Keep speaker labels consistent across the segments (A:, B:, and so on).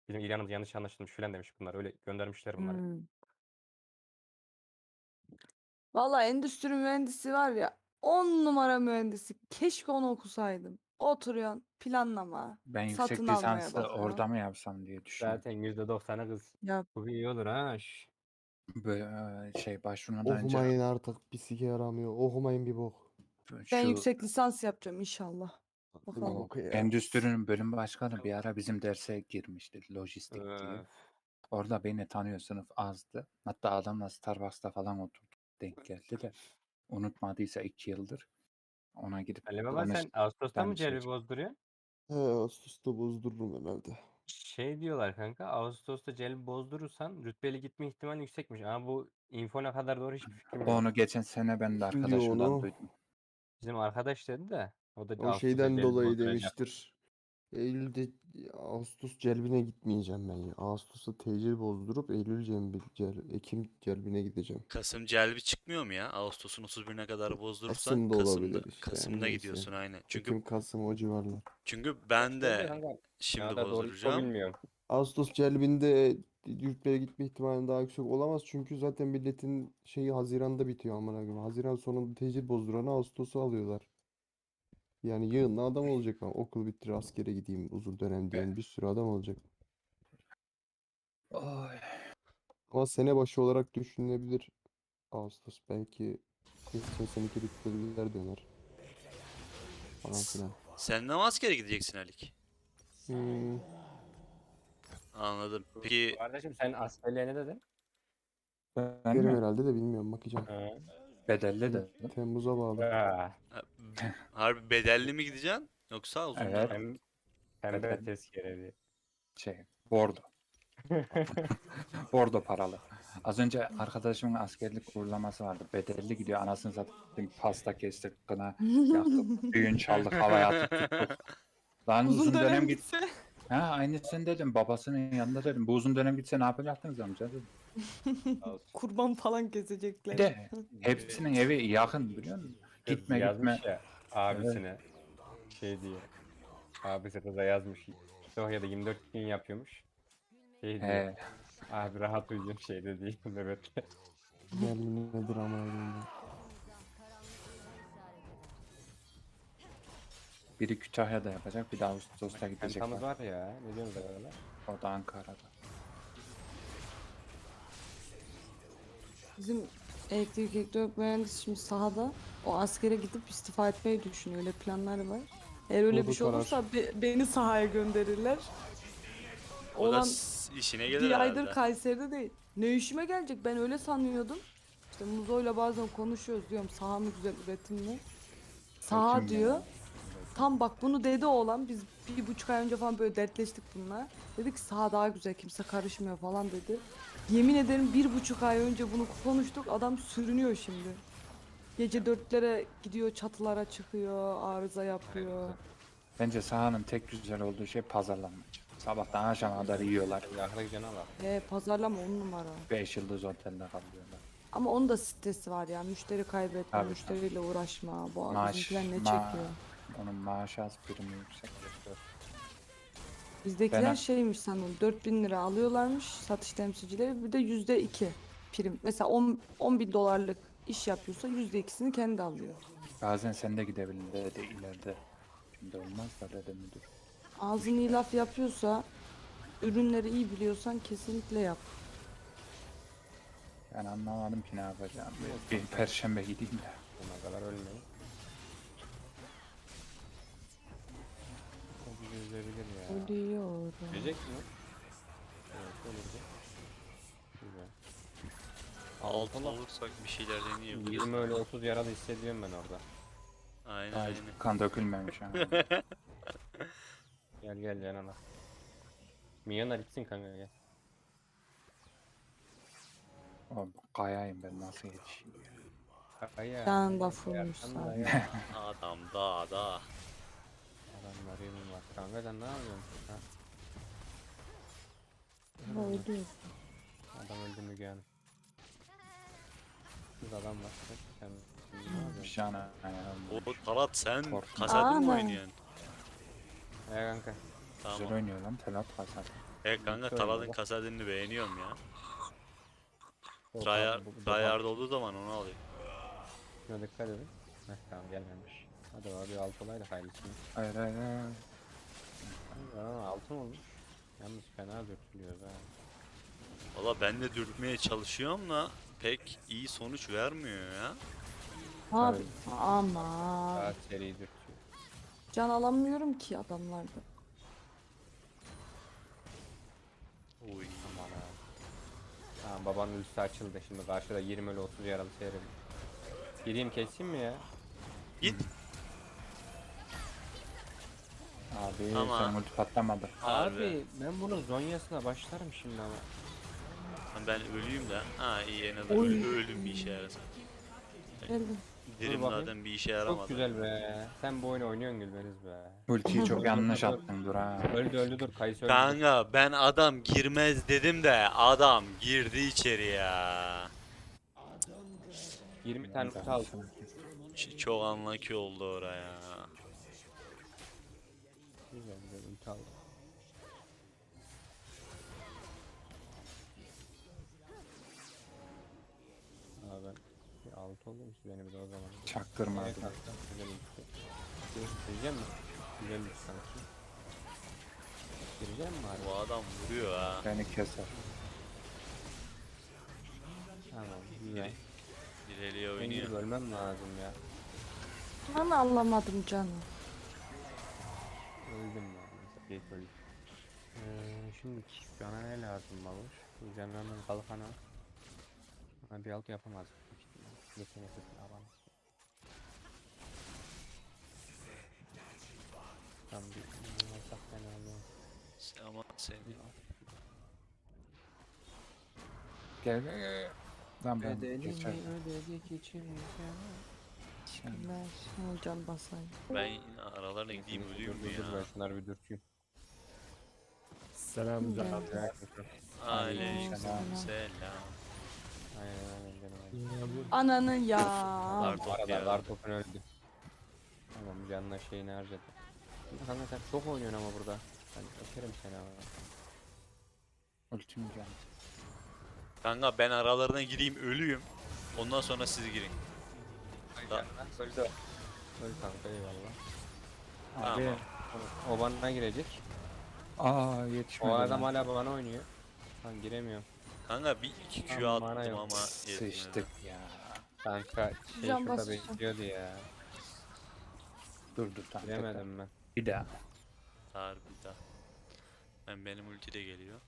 A: Bizim İran'ımız yanlış anlaşılmış filan demiş bunlar. Öyle göndermişler bunları.
B: Valla endüstri mühendisi var ya 10 numara mühendisi. Keşke onu okusaydım. Oturuyorsun planlama,
C: Ben
B: satın
C: yüksek
B: almaya
C: lisansı
B: bakıyor.
C: orada mı yapsam diye düşünüyorum.
A: Zaten %90'ı kız.
B: Ya
A: Bu iyi olur ha.
C: Böyle başvurmadan önce
D: Okumayın artık. Bir sike yaramıyor. Okumayın bir bok.
B: ben
C: şu
B: yüksek lisans yapacağım inşallah.
D: Bir
B: Bakalım.
D: bok ya.
C: endüstrinin bölüm başkanı bir ara bizim derse girmişti. Lojistik diye. Orada beni tanıyor, sınıf azdı. Hatta adamla Starbucks'ta falan oturduk. Denk geldi de. Unutmadıysa 2 yıldır. Ona gidip
A: Ali Baba sen Ağustos'ta mı celbi bozduruyor?
D: He, Ağustos'ta bozdururum herhalde.
A: Şey diyorlar kanka, Ağustos'ta celbi bozdurursan rütbeli gitme ihtimali yüksekmiş. Ama bu info ne kadar doğru hiçbir fikrim yok.
C: Onu geçen sene ben de
D: Kim diyor
C: arkadaşımdan
D: onu?
C: duydum.
A: Bizim arkadaş dedi de o da
D: O
A: Ağustos'ta
D: şeyden
A: celbi
D: dolayı
A: bozduracak.
D: demiştir. Eylül'de Ağustos celbine gitmeyeceğim ben ya. Ağustos'ta tecil bozdurup Eylül Ekim celbine gideceğim.
E: Kasım celbi çıkmıyor mu ya? Ağustos'un 31'ine kadar bozdurursan
D: Kasım da olabilir işte. Yani
E: Kasım'da
D: neyse.
E: gidiyorsun aynen.
D: Ekim, Kasım o civarlar.
E: Çünkü ben
A: Şöyle
E: de
A: kanka, ne
E: şimdi
A: kadar doğru info
E: bozduracağım.
A: bilmiyorum.
D: Ağustos celbinde yurtlara gitme ihtimali daha yüksek olamaz. Çünkü zaten milletin şeyi Haziran'da bitiyor amına koyayım. Haziran sonunda tecil bozduranı Ağustos'a alıyorlar. Yani yığınla adam olacak ama okul bitir askere gideyim uzun dönem diyen bir sürü adam olacak.
C: Oy.
D: Ama sene başı olarak düşünülebilir Ağustos. Belki geçen seneki rütbeliler döner. Falan filan.
E: Sen de mi askere gideceksin Alik?
D: Hmm,
E: Anladım. Peki
A: Kardeşim sen askerliğe ne dedin?
C: Ben
D: derim
C: mi?
D: herhalde de bilmiyorum bakacağım.
A: Ha.
C: Bedelli de.
D: Temmuz'a bağlı.
E: ha, harbi bedelli mi gideceksin yoksa uzun
C: Evet.
E: dönem mi?
A: Pembe
C: Bedel.
A: tezkereli.
C: Bordo. Bordo paralı. Az önce arkadaşımın askerlik uğurlaması vardı. Bedelli gidiyor. Anasını satayım, pasta kestik, kına yaktık, düğün çaldık, havaya atıp tuttuk. Lan
B: Uzun dönem
C: git.
B: gitse.
C: Ha aynısını dedim. Babasının yanında dedim. Bu uzun dönem gitse ne yapacaktınız amca dedim.
B: Kurban falan
C: Bir
B: kesecekler.
C: de hepsinin evi yakın biliyor musun?
A: Kız
C: Gitme
A: yazmış
C: gitme.
A: ya abisine şey diye. Abisi kıza yazmış. Sofya'da 24 gün yapıyormuş. Şey diyor.
C: He,
A: Abi rahat uyuyun şeyde değil nöbetle.
D: Berlin nedir ama öyle.
C: biri Kütahya'da yapacak, bir de Ağustos'ta gidecek.
A: Pentamız var ya. Ne diyorsunuz arada?
C: O da Ankara'da.
B: Bizim elektrik elektronik mühendisi şimdi sahada o askere gidip istifa etmeyi düşünüyor. Öyle planları var. Eğer öyle
D: O
B: bir
D: da
B: şey
D: karar.
B: olursa beni sahaya gönderirler.
E: O da
B: Olan
E: işine gelir
B: bir aydır
E: herhalde.
B: Kayseri'de değil. Ne işime gelecek ben öyle sanıyordum. İşte Muzo'yla bazen konuşuyoruz diyorum saha mı güzel üretim mi? Saha
C: Kim
B: diyor.
C: ya?
B: Tam bak bunu dedi oğlan. Biz 1,5 ay önce falan böyle dertleştik bununla. Dedi ki saha daha güzel kimse karışmıyor falan dedi. Yemin ederim 1,5 ay önce bunu konuştuk. Adam sürünüyor şimdi. Gece 4'lere gidiyor çatılara çıkıyor. Arıza yapıyor.
C: Bence sahanın tek güzel olduğu şey pazarlanma. Sabahtan akşama kadar yiyorlar.
A: Yakına cana bak.
B: Pazarlama 10 numara.
C: 5 yıldız otelde kalıyorlar.
B: Ama onun da stresi var ya. Müşteri kaybetme,
C: Tabii,
B: müşteriyle uğraşma. Bu
C: Maaş,
B: bizimkiler ne
C: ma-
B: çekiyor?
C: Onun maaşı az, primi yüksek.
B: Bizdekiler
C: Ben-
B: şeymiş sanırım 4.000 lira alıyorlarmış satış temsilcileri bir de %2 prim. Mesela 10 bin dolarlık iş yapıyorsa %2'sini kendi alıyor.
C: Bazen sen de gidebilirsin de ileride. Şimdi olmaz da dedi müdür.
B: Ağzını iyi laf yapıyorsa ürünleri iyi biliyorsan kesinlikle yap.
C: Yani anlamadım ki ne yapacağım. Bir perşembe gideyim de.
A: Ona kadar ölmeyin. O bizi üzebilir ya.
B: Ölüyorum.
A: Gelecek mi? Evet olurdu. Güzel.
E: Altın olursak bir şeyler deneyebiliriz.
A: 20 öyle 30 yaralı hissediyorum ben orada.
E: Aynen
C: Daha
E: aynen.
C: kan dökülmemiş ama.
A: Gel gel canına. Milyonlar gitsin kanka gel.
C: O kayayım ben nasıl yetişeyim ya.
A: Kaya.
B: Sen de fullmuş
A: Arkanda
B: zaten.
A: ya.
E: Adam dağda.
A: Adamlar yemin var. Kanka sen ne yapıyorsun? Ha?
B: Öldü.
A: Adam öldü Müge Hanım. Kız adam var. Sen şimdi ne yapıyorsun?
C: Şana
E: O Talat sen
C: Korkma.
E: kasetli mi
B: Ana.
E: oynuyorsun?
A: Ya kanka.
C: güzel
E: Tamam.
C: oynuyor lan Telat Kasat.
E: Kanka
A: Bitti
E: Talat'ın
A: oyun
E: kasadını beğeniyorum ya.
A: baba.
E: Tryhard olduğu zaman onu alayım.
A: Şuna dikkat edin. Heh, tamam gelmemiş. Hadi abi bir alt olayla hayırlısı.
C: Hayır hayır hayır.
A: Aa, altın olmuş. Yalnız fena dökülüyor ha.
E: Valla ben de dürtmeye çalışıyorum da pek iyi sonuç vermiyor ya.
B: Abi
A: Evet.
B: ama
A: Daha seri dürtüyor.
B: can alamıyorum ki adamlarda.
E: Uy.
A: Aman ha. Tamam babanın üstü açıldı şimdi karşıda 20 ile 30 yaralı seyredim. Gireyim keseyim mi ya?
E: Git.
C: Abi
E: Ama-
C: sen ulti patlamadı.
E: Harbi.
A: Ben bunun zonyasına başlarım şimdi ama.
E: Ben ölüyüm de. Ha iyi en azından
B: Oy.
E: ölüm bir işe yarasın.
B: Geldim.
E: Dirim
A: bakayım.
E: zaten bir işe yaramadı.
A: Çok güzel be. Sen bu oyunu oynuyorsun Gülbeniz be.
C: Ultiyi çok yanlış attın dur ha.
A: Öldü dur Kayısı öldü.
E: Kanka ben adam girmez dedim de adam girdi içeri ya.
A: 20 tane ulti aldım.
E: Çok unlucky oldu oraya.
A: Güzel ulti aldım. Abi ben bir alt oldum ki beni bir de o zaman.
C: Çaktırma
A: Nereye
C: abi.
A: kalktın? Güzel ulti. Gireceğim mi? Güzel ulti sanki. Gireceğim mi
E: Bu
A: abi?
E: adam vuruyor ha.
C: Beni keser.
A: Tamam güzel.
E: İleriye
A: Ben gidip
E: oynuyor.
A: ölmem lazım ya.
B: Ben anlamadım canım.
A: Öldüm ya. Mesela ilk öldüm. Şimdi bana ne lazım babuş? Bu canlarının kalkanı. Ha, bir altı yapamaz. büyük ihtimal. Yetenekli alan. Tam bir alsak fena olmaz.
E: Ama sen
C: Gel gel gel. Lan ben geçer.
A: ödedik içimize.
B: Teşekkürler. Şuna can basayım.
E: ben yine aralarına gideyim ölüyorum
A: Dur ben
E: ya.
A: şunları bir dürteyim.
D: Selam
B: Gel.
E: Aleykümselam.
A: Aynen canım.
B: Ananı ya.
E: Lartop
A: Arada
E: ya.
A: Lartop'un öldü. Tamam canına şeyini harcadı. Kanka sen çok oynuyorsun ama burada. Ben öperim seni ama.
C: Ultim geldi.
E: Kanka ben aralarına gireyim ölüyüm. Ondan sonra siz girin. Da-
A: Öldü. Öl kanka eyvallah.
C: Abi.
A: O bana girecek.
C: Aa yetişmedi.
A: O adam
C: lan.
A: hala bana oynuyor. Lan giremiyorum.
E: Kanka bir iki Q
A: Aman bana
E: attım
A: yok.
E: ama yetmedi.
C: Sıçtık ya.
A: Kanka şey
B: Can
A: şurada
B: basacağım.
A: bekliyordu ya.
C: Dur tamam. tekrar.
A: Giremedim ben.
C: Bir daha.
E: Harbi daha. Benim ulti de geliyor.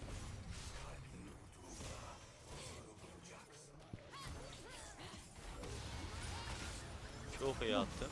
E: Çok iyi attım.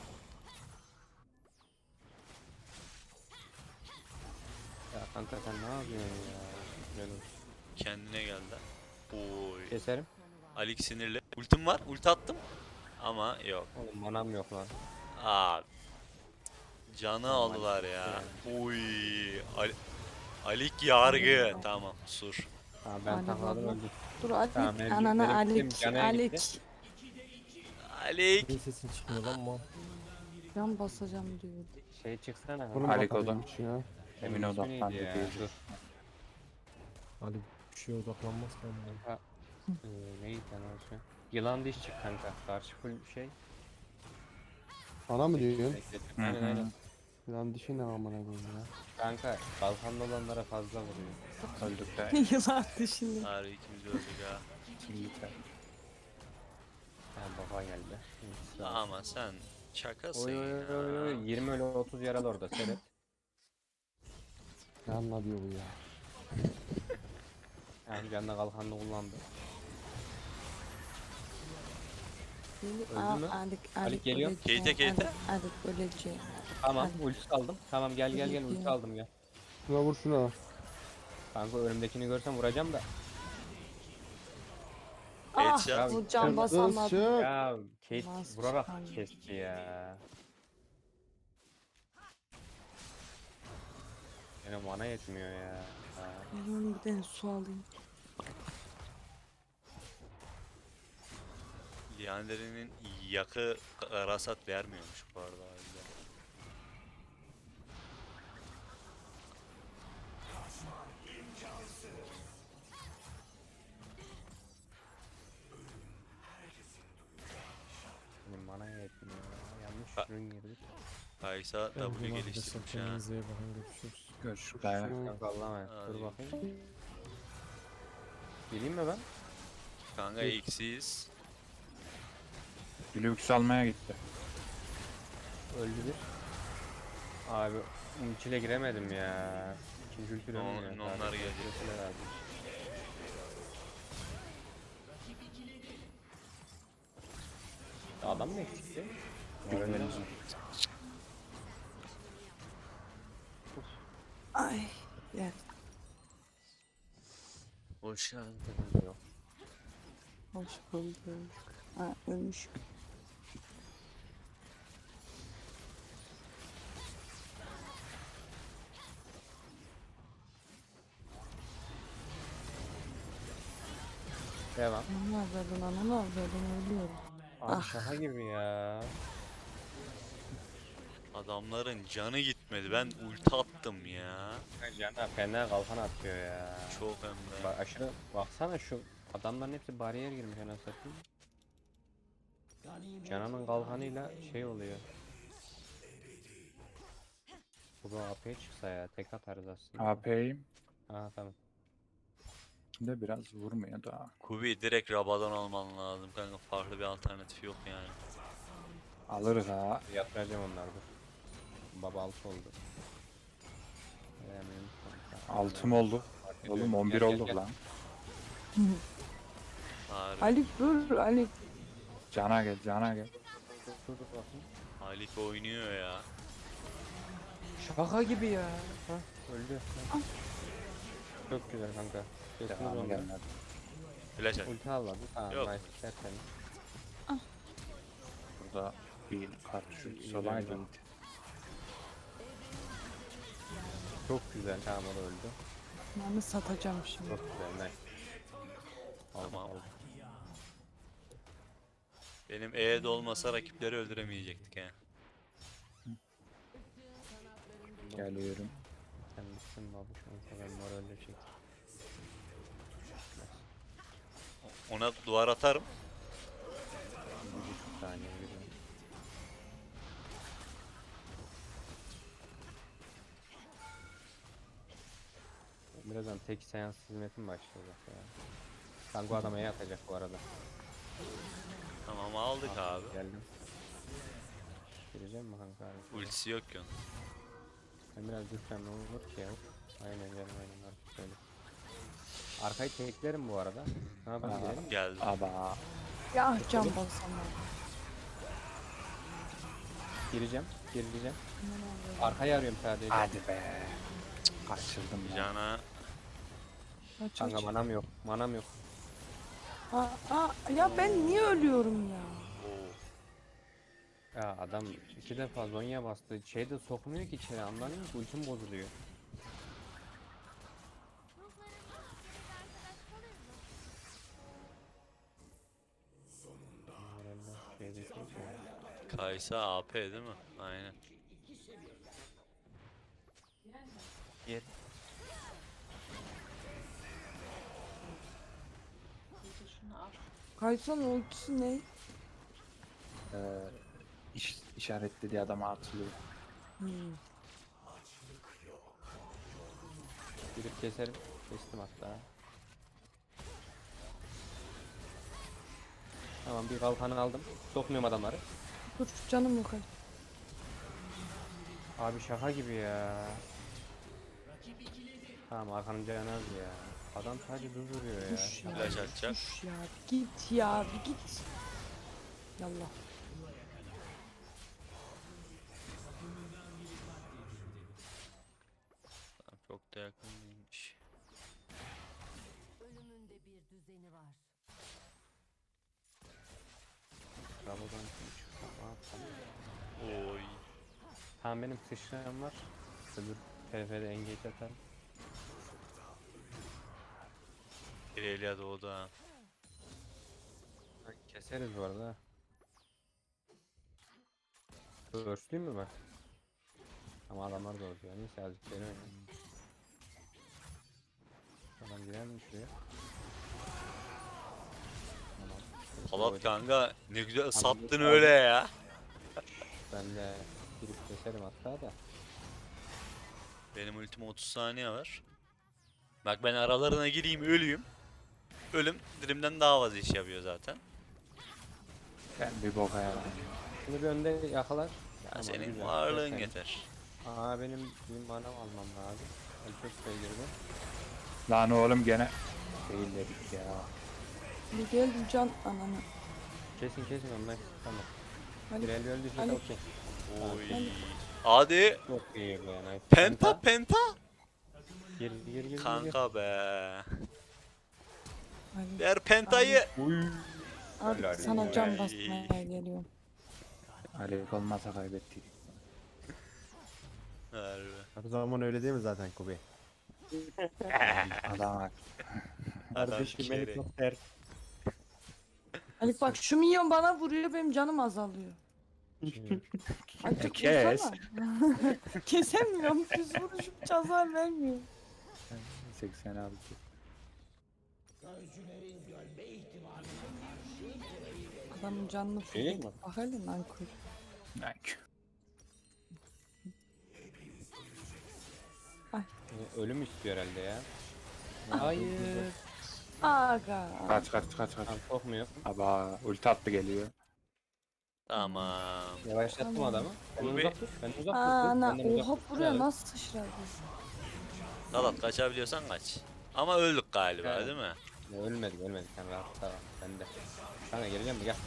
A: Ya kanka sen ne yapıyorsun ya? Güzel olsun.
E: Kendine geldi. Oy.
A: Keserim.
E: Alik sinirli. Ultim var. Ulti attım. Ama yok.
A: Oğlum manam yok lan.
E: Abi. Canı aldılar ya. Oy. Alik yargı. Tamam. Sur.
A: Tamam ben
B: Ali
A: takladım
B: baba.
A: öldüm.
B: Dur Alik.
A: Tamam, benim-
B: Ananı
A: benim
B: Alik.
A: kim canaya gitti?
B: Alik.
E: Alik.
F: Niye sesin çıkmıyor lan mal?
B: Can basacağım diyor.
A: Şey çıksana.
D: Bunu
C: Halik
D: bakalım
C: odan.
D: hiç ya.
C: Emin
A: Onun ismi
C: odaklandı
A: neydi ya?
C: diyecek.
A: Dur.
F: Ali bir şeye odaklanmaz ki ama.
A: Neydi lan o şey? Yılan diş çık kanka. Karşı full şey.
D: Bana mı diyorsun?
A: Bekle.
C: Hı
A: Aynen
C: hı.
A: aynen.
D: Lan dişi ne amına koyayım ya.
A: Kanka kalkanlı olanlara fazla vuruyor.
C: Öldük de.
B: Yılan dışında.
E: Harbi ikimiz öldük ha.
C: Yeter.
A: Ha baba geldi. Hı,
E: Ama sen şakasın
A: Oy oy oy oy.
E: ya.
A: 20 öyle 30 yaralı orada seyret.
D: Ne anlatıyor bu ya?
A: Yani canına kalkanını kullandı.
B: Aa,
A: mü?
B: Alik
A: geliyor.
B: öleceğim,
E: Keyte, keyte.
B: Alik öleceğim.
A: Tamam
B: Hadi.
A: ulti aldım. Tamam gel gel gel ulti aldım gel.
D: Şuna vur şuna.
A: Kanka önümdekini görsem vuracağım da.
B: Ah
E: Headshot.
B: bu can basamadı.
D: Çık.
A: Ya Kate
B: Nasıl
A: vurarak
B: çıkardı?
A: kesti ya. Benim mana yetmiyor ya. Ha.
B: Ben bir tane su alayım.
E: Liander'in yakı rasat vermiyormuş bu arada. harbiden.
A: Rün girdik.
E: Kaysa
F: Ben
E: W
F: buna
E: geliştirmiş ha.
F: kendinize iyi bakın, görüşürüz.
C: Görüşürüz.
A: Kanka Allah'a emanet. Dur
E: Hadi.
A: bakayım. Geleyim mi ben?
E: Kanka eksiyiz.
C: Lux almaya gitti.
A: Öldü bir. Abi ultiyle giremedim ya. İkinci ulti dönmüyor.
E: Onlar gelecek.
A: Ultiyle lazım. Adam mı eksikti?
C: Güvenimiz.
B: Ay. Gel.
E: Hoş geldin.
A: Yok.
B: Hoş bulduk. Ha, ölmüş.
A: Devam.
B: Ne yapıyordun ana, ne yapıyordun, ölüyorum.
A: Abi şaka gibi ya.
E: Adamların canı gitmedi. Ben ulti attım ya.
A: Cana fena kalkan atıyor ya.
E: Çok hem de.
A: Bak aşırı baksana şu adamların hepsi bariyer girmiş anasını satayım. Canan'ın kalkanıyla şey oluyor. Bu da AP'ye çıksa ya tek atarız aslında.
C: AP'yim
A: Aha tamam.
C: de biraz vurmuyor da.
E: Kubi direkt Rabadon alman lazım kanka. Farklı bir alternatif yok yani.
C: Alırız ha.
A: Yatıracağım onları dur. Baba alt oldu.
C: Altım oldu. Oğlum 11 olduk lan.
E: Harbi.
B: Ali dur Ali.
C: Cana gel, cana gel.
A: Dur bakayım.
E: Halik oynuyor ya.
A: Şaka gibi ya. Hah öldü. Çok güzel kanka. Kesiniz
C: Devamı
A: onu.
C: gelmedi.
E: Flash at.
A: Ulti almadı. Tamam
E: Yok.
A: nice. Tertemiz.
C: Burada bir karşı olaydı.
A: Çok güzel. Tamam o da öldü.
B: Ben de satacağım şimdi.
A: Çok güzel. Nice. Aldım,
E: Tamam.
A: aldım.
E: Benim E'de olmasa rakipleri öldüremeyecektik he.
C: Geliyorum.
A: Sen misin babuş? Neyse ben moralle çek.
E: Ona duvar atarım.
A: 1,5 saniye yürüyorum. Birazdan tek seans hizmetim başlayacak ya. Kanka adam E'ye atacak bu arada.
E: Tamam aldık abi.
A: Geldim. Gireceğim mi kanka abi?
E: Ultisi yok ki onun.
A: Ben biraz düşsem ne olur ki ya? Aynen canım aynen artık öyle. Arkayı teklerim bu arada. Ne yapalım
C: Aa.
A: gidelim?
E: Geldi.
C: Aba.
B: Ya can basamam.
A: Gireceğim. Arkayı arıyorum sadece.
C: Hadi be. Cık, kaçırdım ya.
E: Cana.
B: Aç
A: Kanka
B: aç.
A: manam yok. Manam yok.
B: Ya ben niye ölüyorum ya?
E: Oo.
A: Ya adam 2 defa zonya bastı. Şey de sokmuyor ki içeri anladın mı? Ultim bozuluyor. Şey desek ya.
E: Kaysa AP değil mi? Aynen.
A: Yer.
B: Kaysan ultisi ne?
C: İşaretlediği adama atılıyor.
A: Girip keserim. Kestim hatta. Tamam bir kalkanı aldım. Sokmuyorum adamları.
B: Dur canım yok Ali.
A: Abi şaka gibi ya. Tamam arkanın canı az ya. Adam sadece duruyor ya.
B: Kuş ya.
E: Flash atacak.
B: Kuş ya. Git ya bir git. Yallah.
E: Tamam, çok da yakın değilmiş.
G: Ölümün de bir düzeni var.
A: Rabodan kim çıksa ne yapsam?
E: Oy.
A: Tamam benim sıçrayan var. Öbür TF'de engage atarım.
E: İrelia doğdu ha.
A: Keseriz bu arada. Örslüyüm mü ben? Ama adamlar da orada. Neyse azıcık beni oynayayım. Adam girer mi şuraya? Tamam.
E: Palat kanka ne güzel sattın
A: Aldım.
E: öyle ya.
A: Ben de girip keserim hatta da.
E: Benim ultime 30 saniye var. Bak ben aralarına gireyim ölüyüm. Ölüm dilimden daha fazla iş yapıyor zaten.
C: Ben bir boka yaradım.
A: Şunu bir önde yakalar.
E: Ya
A: Tamam,
E: senin
A: güzel.
E: varlığın
A: Yeter.
E: yeter.
A: Aa benim manam almam lazım. Ali çok girdi.
C: Lan oğlum gene değil dedik ya.
B: Bir geldim can ananı.
A: Kesin ondan tamam.
B: Ali,
A: Pirelli öldüyse
B: Ali.
A: de okey.
E: Oy. Hadi.
A: Çok iyi bu yani.
E: Penta.
A: Gir.
E: Kanka be.
B: Ali.
E: Ver pentayı.
B: Artık
A: Helal
B: sana
E: olsun.
B: can basmaya geliyorum.
C: Ali olmasa kaybettik.
E: Harbi.
F: Her zaman öyle değil mi zaten Kobe?
C: Adam bak.
A: Kardeşim
E: kere.
A: helikopter.
B: Ali bak şu minyon bana vuruyor benim canım azalıyor. Artık
C: Kes.
B: vursana. Kesemiyorum. Düz vuruşum hiç hasar vermiyor.
C: 86.
B: Adamın canını
A: Değil mi?
B: fırlatıp bak hele nankör.
A: Ölüm istiyor herhalde ya. Hayır.
B: Aga.
C: Kaç.
A: Tamam sokmuyor.
C: Aba ulti attı geliyor.
E: Tamam.
A: Yavaşlattım
B: Tamam.
A: adamı. Ben
E: Bu
A: uzak tut. Ben uzak tut.
B: Ana
A: Benden uzak
B: oha
A: tut.
B: buraya
A: Evet.
B: nasıl sıçradı?
E: Talat kaçabiliyorsan kaç. Ama öldük galiba
A: Evet.
E: değil mi?
A: Ya, ölmedik sen rahat tamam. Ben de. Sana geleceğim mi gel.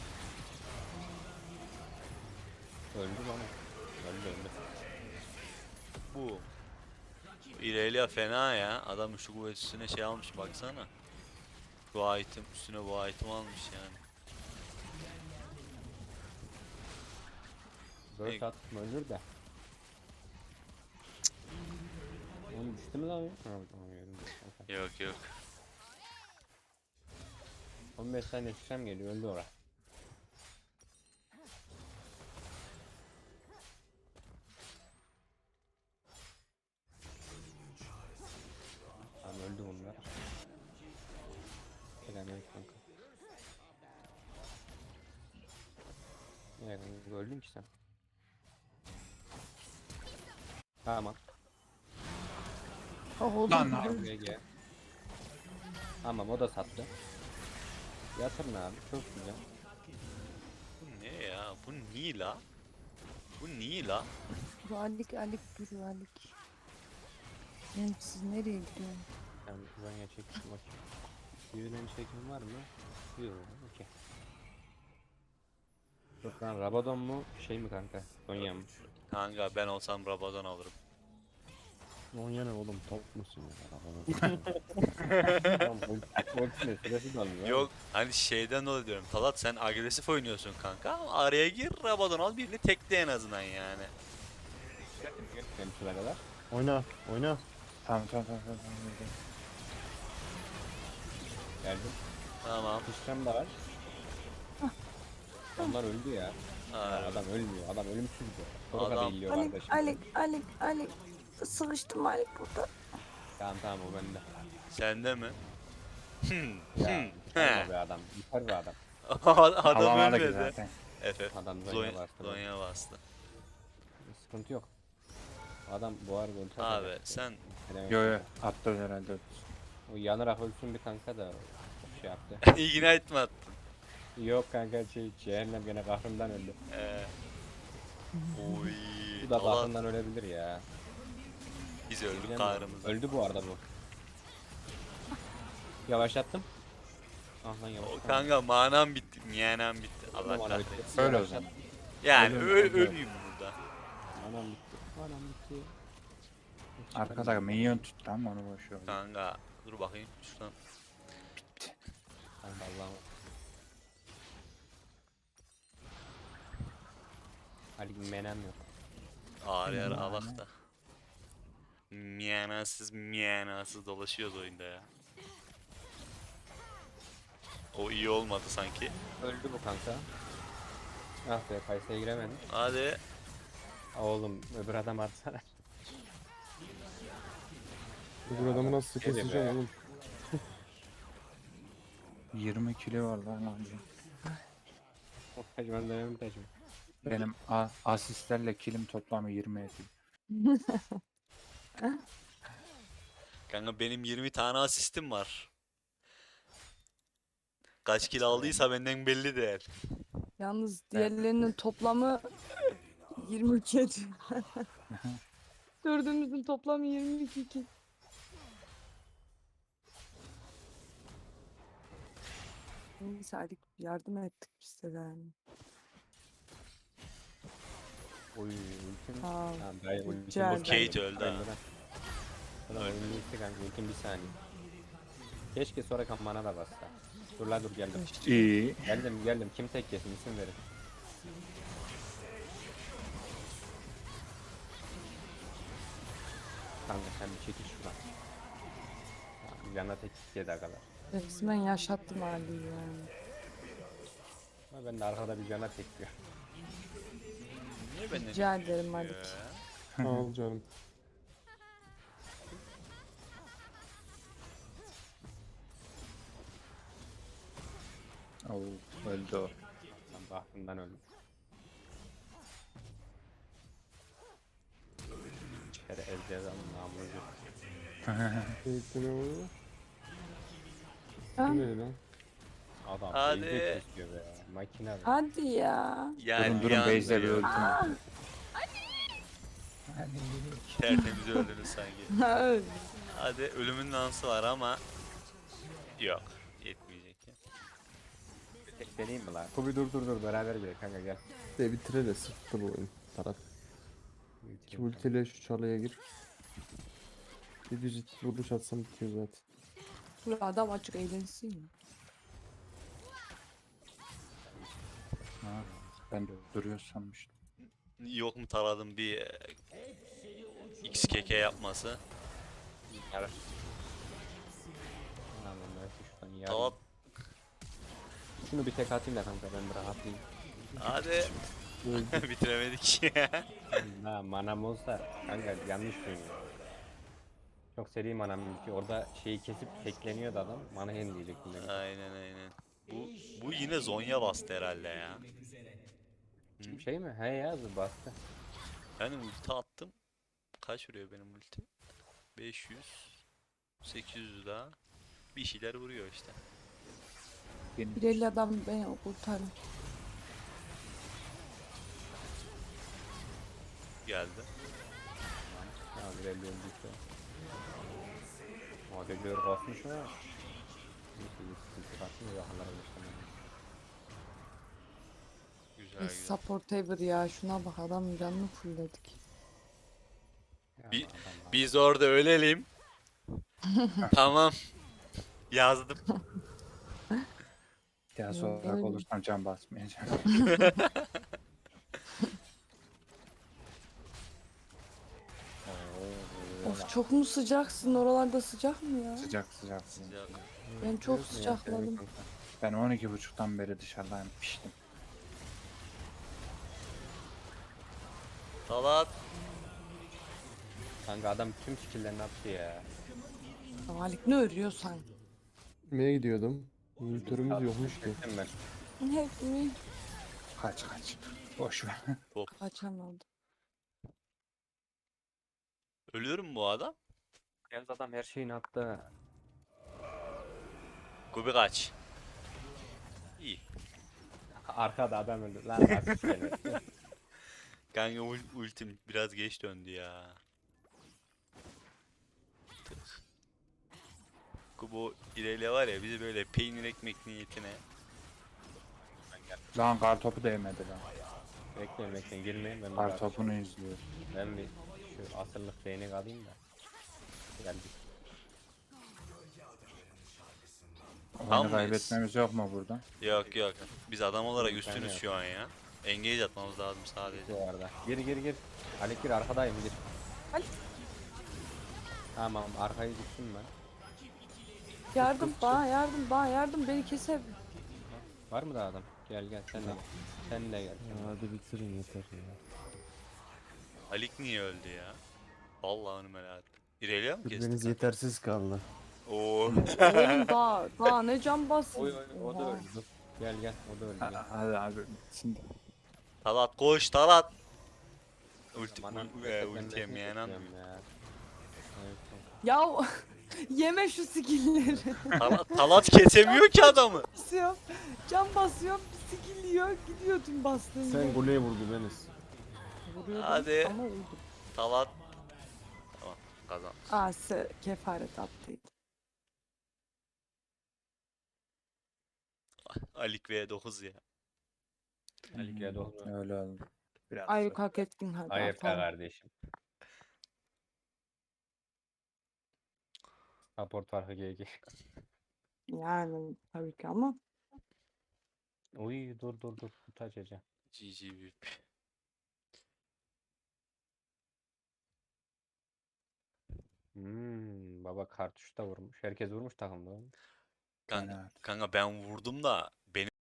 A: Öldü bana. Öldü.
E: Bu. İrelia fena ya. Adam şu kuvvet üstüne şey almış baksana. Bu item üstüne bu item almış yani.
A: Böyle attım ölür de. Oğlum düştü mü lan? Ha, tamam gördüm.
E: Yok.
A: 15 saniye sıçram geliyor öldü ora. Tamam öldü bunlar. Selamünaleyküm kanka. Ya kanka öldün ki sen. Tamam.
B: Oh oğlum.
C: Lan
A: GG. Tamam o da sattı. Yatırın abi çok güzel.
E: Bu ne ya? Bu niye la? Bu niye la?
B: Dur Alik dur Alik. Yani siz nereye gidiyorsunuz?
A: Ben Zonya çektim bakayım. Birinden çekim var mı? Yok okey. Yok lan Rabadon mu şey mi kanka? Zonya mı?
E: Kanka ben olsam Rabadon alırım.
F: Onya ne oğlum top musun ya?
A: Tamam ultine süresi de almıyor.
E: Yok hani şeyden dolayı diyorum. Talat sen agresif oynuyorsun kanka ama araya gir Rabadon al birini tekle en azından yani.
A: Benim sıra kadar.
F: Oyna.
C: Tamam.
A: Geldim.
E: Tamam.
A: Sıçram da var. Onlar öldü ya.
E: Harbi.
A: Adam ölmüyor. Adam ölümsüz bu. Sonra
E: Adam-
A: da iyiliyor kardeşim.
B: Alik. Sıkıştım Alik burada.
A: Tamam o bende.
E: Sende mi?
A: Ya yukarı be adam. Yukarı be adam.
E: Adam
C: Alamadık
E: ölmedi.
C: zaten.
E: Efe.
A: Adam Zonya
E: Zonya
A: bastı.
E: Zonya bastı.
A: Sıkıntı yok. Adam bu arada ulti
E: Abi
A: atacak.
E: sen
C: Yo attı herhalde.
A: O yanarak ölsün bir kanka da şey yaptı.
E: ignite mi attın?
A: Yok kanka cehennem gene kahrından öldü.
E: Oy.
A: Bu da
E: Talat
A: kahrından ölebilir ya.
E: biz öldük
A: Bilemiyorum.
E: kahrımızda.
A: Öldü bu arada bu. Yavaşlattım. Ah lan yavaş.
E: O kanka manam bitti, miyanam bitti. Allah
A: Tamam, ana
E: kahretsin.
A: bitti.
C: Öyle o
A: Yavaşlat.
C: zaman.
E: Yani
C: Ölüm, ölüm.
E: öleyim burada.
A: Anam bitti. Anam bitti.
C: Arkada minyon tuttu ama onu boş ver.
E: Kanka dur bakayım şuradan.
A: Kanka Allah'ım. Ali menem yok.
E: Ağır yer alak da. Miyanasız dolaşıyoruz oyunda ya. O iyi olmadı sanki.
A: Öldü bu kanka. Ah be Kayse'ye giremedim.
E: Hadi.
A: Oğlum öbür adam atsana.
D: Bu adamı nasıl
A: Hadi be.
D: keseceğim oğlum?
C: 20 kilo var lan abi.
A: Hacı ben dönemim tecrübe.
C: Benim asistlerle kilim toplamı 20 ediyor.
E: Kanka benim 20 tane asistim var. Kaç kill aldıysa benden belli değil.
B: Yalnız diğerlerinin toplamı 22 ediyor. Dördümüzün toplamı 22 ki. Neyse hadi yardım ettik biz de yani.
A: Oy ultim.
B: Sağ ol.
A: Tamam dayı ultim
B: Rica
A: boş
B: ederim.
E: Kate öldü ha.
A: Ulan oyun bitti kanka ultim bir saniye. Keşke sonra bana da bassa. Dur la dur geldim.
C: İyi.
A: Geldim. Kim tek yesin isim verin. Kanka sen bir çekil şuradan. Yana tek yedi kadar.
B: Resmen yaşattım Ali'yi yani.
A: Ama ben de arkada bir cana tekliyor.
E: Niye benden
B: Rica ederim Malik.
E: ya?
D: Sağ ol canım.
C: Oo, öldü o.
A: Ben bahtımdan öldüm. İçeri ezeceğiz ama namucu.
D: Keyifli ne oluyor?
B: Ha?
D: Bu ne lan?
A: Adam
E: Hadi.
A: ezecek istiyor be. Makine be.
B: Hadi ya.
E: Yani
C: Durun Beyze bir
E: ya.
C: öldüm.
E: Tertemiz öldünüz sanki.
B: Öyle.
E: Hadi ölümün dansı var ama yok. Yetmeyecek ya.
A: Tek deneyim mi lan? Kubi dur beraber gidelim kanka gel.
D: De bitire de sıktı bu oyun. Taraf. İki ultiyle şu çalıya gir. Bir düz vuruş atsam bitiyor zaten.
B: Bu adam açık eğlensin ya.
C: Ha, ben de duruyor sanmıştım.
E: Yok mu taradım bir XKK yapması.
A: Yar. Tamam ben şuradan yarayım.
E: Tamam.
A: Şunu bir tek atayım da kanka ben bir rahatlayayım.
E: Hadi. Bitiremedik ya.
A: Ha manam olsa kanka yanlış duymuyor. Çok seri manam ki orada şeyi kesip tekleniyordu adam. Mana hen diyecektim demek.
E: Aynen. Bu yine Zonya bastı herhalde ya.
A: Şey mi? He ya bastı.
E: Yani ulti attım. Kaç vuruyor benim ultim? 500 800 daha. Bir şeyler vuruyor işte.
C: Benim
B: Bir elli adam beni kurtarın.
E: Geldi.
A: Ha bir elli öldüyse. O deliyor basmış ama. Neyse bir sıkıntı kalsın da yakınlara geçtim.
E: Güzel
B: Biz
E: güzel.
B: support ever ya. Şuna bak adam canını fullledik.
E: Biz orada ölelim. Tamam. Yazdım.
C: daha
B: Ya,
C: sonra
B: öyle.
C: olursam can basmayacağım.
B: Of çok mu sıcaksın? Oralarda sıcak mı ya?
C: Sıcak.
E: Sıcak.
B: Ben çok sıcakladım.
C: Ben 12.30'dan beri dışarıdayım, piştim.
E: Talat.
A: Kanka adam tüm skill'lerini attı ya.
B: Malik ne örüyorsan.
D: Gitmeye gidiyordum. Monitörümüz yokmuş ki.
A: Gittim ben.
B: Hep mi?
C: Kaç. Boş ver.
B: Kaçamadım.
E: Ölüyor mu bu adam?
A: Yalnız adam her şeyini attı.
E: Kubi kaç. İyi.
A: Arkada adam öldü. Lan asist gelmedi.
E: Kanka ultim biraz geç döndü ya. Tık. Kubo ilerle var ya bizi böyle peynir ekmek niyetine.
C: Lan kar topu değmedi lan.
A: Bekleyin girmeyin ben
C: Kar topunu izliyor.
A: Ben bir şu asırlık değnek alayım da. Geldik.
C: Oyunu
E: Tam mıyız?
C: kaybetmemiz yok mu burada?
E: Yok. Biz adam olarak
A: Bir tane
E: üstünüz
A: yok.
E: şu an ya. Engage atmamız lazım sadece.
A: Bu arada. Gir. Alik gir arkadayım gir.
B: Alik.
A: Tamam arkayı gittim ben.
B: Yardım bana yardım beni keser.
A: Var mı da adam? Gel sen de gel. Sen de gel.
F: Hadi bitirin yeter ya.
E: Alik niye öldü ya? Vallahi onu merak ettim. İrelia mı
F: Birbiriniz
E: kesti?
F: yetersiz kaldı.
E: Oo.
B: Oğlum daha ne can basın.
A: O da
B: Oha.
A: öldü. Gel o da öldü. Gel.
C: Hadi abi bitsin de.
E: Talat koş Talat. Ulti,
A: Bana
E: ulti yemeyen an.
A: ya. Evet,
B: Ya yeme şu skill'leri.
E: Talat kesemiyor ki adamı.
B: Basıyorum. Can basıyorum. Bir skill yiyor. Gidiyor tüm bastığım
F: Sen
B: yere.
F: goleye vurdu Deniz.
B: Vuruyordum
E: Hadi.
B: ama öldüm.
E: Talat. Tamam kazan.
B: Kefaret attıydı.
E: Alik V9 ya.
A: Ali geldi oldu.
C: Öyle oldu. Biraz
B: Ay hak ettin hadi
A: AFK
B: atalım.
A: kardeşim. Support farkı GG.
B: Yani tabii ki ama
A: Uy dur kutu açacağım.
E: GG büyük.
A: Baba kartuş da vurmuş. Herkes vurmuş takımda.
E: Kanka,
C: Evet.
E: kanka ben vurdum da benim